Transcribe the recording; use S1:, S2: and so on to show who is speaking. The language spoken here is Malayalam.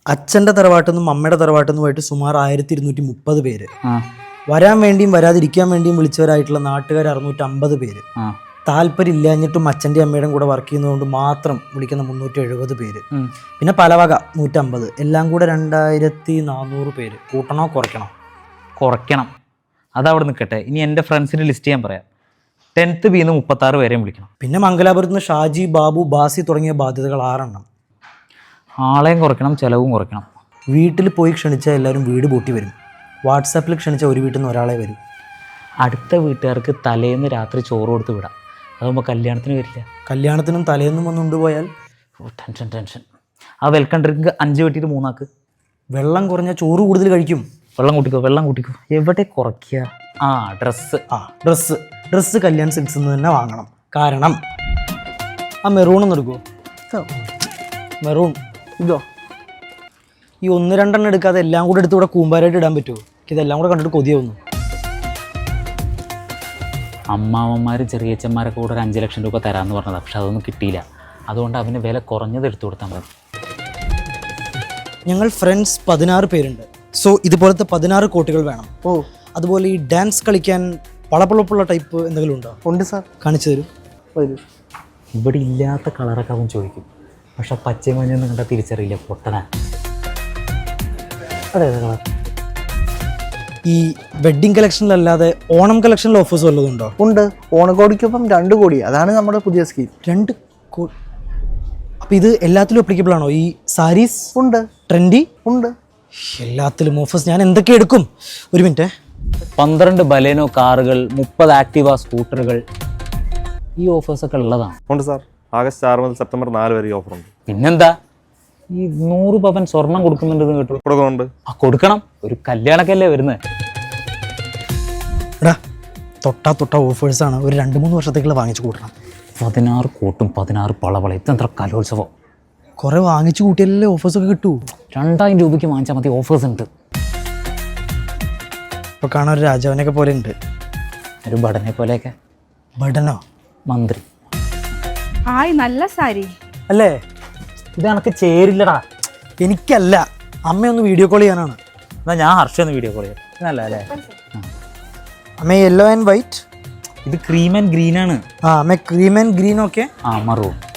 S1: അച്ഛൻ്റെ തറവാട്ടിൽ നിന്നും അമ്മയുടെ തറവാട്ടിൽ നിന്നുമായിട്ട് സുമാർ 1230 പേര്. വരാൻ വേണ്ടിയും വരാതിരിക്കാൻ വേണ്ടിയും വിളിച്ചവരായിട്ടുള്ള നാട്ടുകാർ 650 പേര്. താല്പര്യം ഇല്ലാഞ്ഞിട്ടും അച്ഛൻ്റെ അമ്മയുടെയും കൂടെ വർക്ക് ചെയ്യുന്നതുകൊണ്ട് മാത്രം വിളിക്കുന്ന 370 പേര്. പിന്നെ പലവക 150, എല്ലാം കൂടെ 2400 പേര്. കൂട്ടണോ കുറയ്ക്കണോ?
S2: കുറയ്ക്കണം. അതവിടെ നിൽക്കട്ടെ. ഇനി എൻ്റെ ഫ്രണ്ട്സിൻ്റെ ലിസ്റ്റ് ഞാൻ പറയാം. 10th B 36 പേരെയും വിളിക്കണം.
S1: പിന്നെ മംഗലാപുരത്ത് നിന്ന് ഷാജി, ബാബു, ബാസി തുടങ്ങിയ ബാധ്യതകൾ 6 എണ്ണം.
S2: ആളെയും കുറയ്ക്കണം, ചിലവും കുറയ്ക്കണം.
S1: വീട്ടിൽ പോയി ക്ഷണിച്ചാൽ എല്ലാവരും വീട് പൂട്ടി വരും. വാട്സാപ്പിൽ ക്ഷണിച്ച ഒരു വീട്ടിൽ നിന്ന് ഒരാളെ വരും.
S2: അടുത്ത വീട്ടുകാർക്ക് തലേന്ന് രാത്രി ചോറ് കൊടുത്ത് വിടാം. അതാകുമ്പോൾ കല്യാണത്തിന് വരില്ല.
S1: കല്യാണത്തിനും തലേന്നും വന്ന് കൊണ്ടുപോയാൽ
S2: ടെൻഷൻ. ആ വെൽക്കം ഡ്രിങ്ക് 5 വെട്ടിയിട്ട് 3 ആക്ക്.
S1: വെള്ളം കുറഞ്ഞ ചോറ് കൂടുതൽ കഴിക്കും.
S2: വെള്ളം കൂട്ടിക്കോ. എവിടെ കുറയ്ക്കുക?
S1: ഡ്രസ്സ് കല്യാൺ സിൽക്സിൽ നിന്ന് തന്നെ വാങ്ങണം. കാരണം ആ മെറൂൺ ഒന്ന് എടുക്കുമോ? മെറൂൺ ഇതോ. ഈ 1-2 എണ്ണം എടുക്കാതെ എല്ലാം കൂടെ എടുത്ത് ഇവിടെ കൂമ്പാരായിട്ട് ഇടാൻ പറ്റുമോ? ഇതെല്ലാം കൂടെ കണ്ടിട്ട് കൊതിയാവുന്നു.
S2: അമ്മാവന്മാരും ചെറിയച്ചന്മാരൊക്കെ കൂടെ 5 ലക്ഷം രൂപ തരാമെന്ന് പറഞ്ഞത്. പക്ഷെ അതൊന്നും കിട്ടിയില്ല. അതുകൊണ്ട് അവന് വില കുറഞ്ഞത് എടുത്തു കൊടുത്താൽ മതി.
S1: ഞങ്ങൾ ഫ്രണ്ട്സ് 16 പേരുണ്ട്. സോ ഇതുപോലത്തെ 16 കോട്ടുകൾ വേണം. അതുപോലെ ഈ ഡാൻസ് കളിക്കാൻ പളപ്പളപ്പുള്ള ടൈപ്പ് എന്തെങ്കിലും ഉണ്ടോ?
S3: ഉണ്ട് സാർ.
S1: കാണിച്ചു തരും.
S2: ഇവിടെ ഇല്ലാത്ത കളറൊക്കെ അവൻ ചോദിക്കും. പക്ഷെ പച്ചയും മഞ്ഞൊന്നും കണ്ടാൽ തിരിച്ചറിയില്ല. പൊട്ടനാ.
S1: അതെ കളർ. ഈ വെഡ്ഡിങ് കളക്ഷനിലല്ലാതെ ഓണം കളക്ഷനിൽ ഓഫേഴ്സ് വല്ലതും ഉണ്ടോ?
S3: ഉണ്ട്. ഓണക്കോടിക്കൊപ്പം 2 കോടി. അതാണ് നമ്മുടെ പുതിയ സ്കീം.
S1: 2 കോടി. അപ്പം ഇത് എല്ലാത്തിലും അപ്ലിക്കബിൾ ആണോ? ഈ സാരീസ്
S3: ഉണ്ട്.
S1: ട്രെൻഡി
S3: ഉണ്ട്.
S1: എല്ലാത്തിലും ഓഫേഴ്സ്. ഞാൻ എന്തൊക്കെ എടുക്കും? ഒരു മിനിറ്റ്.
S2: 12 ബലേനോ കാറുകൾ, 30 ആക്ടിവ സ്കൂട്ടറുകൾ, ഈ ഓഫേഴ്സൊക്കെ ഉള്ളതാണ്.
S4: ഉണ്ട് സാർ. ആഗസ്റ്റ് 6 മുതൽ സെപ്റ്റംബർ 4 വരെ ഈ ഓഫറുണ്ട്.
S2: പിന്നെന്താ, ഈ 100 പവൻ സ്വർണം കൊടുക്കുന്നുണ്ടെന്ന് കേട്ടു.
S4: കൊടുക്കുന്നുണ്ട്.
S2: കൊടുക്കണം. ഒരു കല്യാണക്കല്ലേ വരുന്നത്.
S1: എടാ തൊട്ട ഓഫേഴ്സാണ്. ഒരു 2-3 വർഷത്തേക്കുള്ള വാങ്ങിച്ചു കൂട്ടണം.
S2: 16 കോട്ടും 16 പളവള. ഇതെന്ത്ര കലോത്സവം.
S1: കുറെ വാങ്ങിച്ചു കൂട്ടിയാലല്ലേ ഓഫേഴ്സൊക്കെ കിട്ടൂ.
S2: 2000 രൂപയ്ക്ക് വാങ്ങിച്ചാൽ മതി. ഓഫേഴ്സ് ഉണ്ട്.
S1: ഇപ്പോൾ കാണാൻ ഒരു രാജാവിനൊക്കെ പോലെ ഉണ്ട്.
S2: ഒരു ബടനെ പോലെയൊക്കെ.
S1: ബടനോ?
S2: മന്ത്രി.
S5: നല്ല സാരി
S1: അല്ലേ?
S2: ഇത് എനിക്ക് ചേരില്ലടാ.
S1: എനിക്കല്ല, അമ്മയൊന്ന് വീഡിയോ കോൾ ചെയ്യാനാണ്.
S2: എന്നാൽ ഞാൻ ഹർഷൊന്ന് വീഡിയോ കോൾ ചെയ്യാം. നല്ല അല്ലേ?
S1: അമ്മ യെല്ലോ ആൻഡ് വൈറ്റ്.
S2: ഇത് ക്രീം ആൻഡ് ഗ്രീൻ ആണ്.
S1: അമ്മ cream and green. Okay.
S2: Maroon.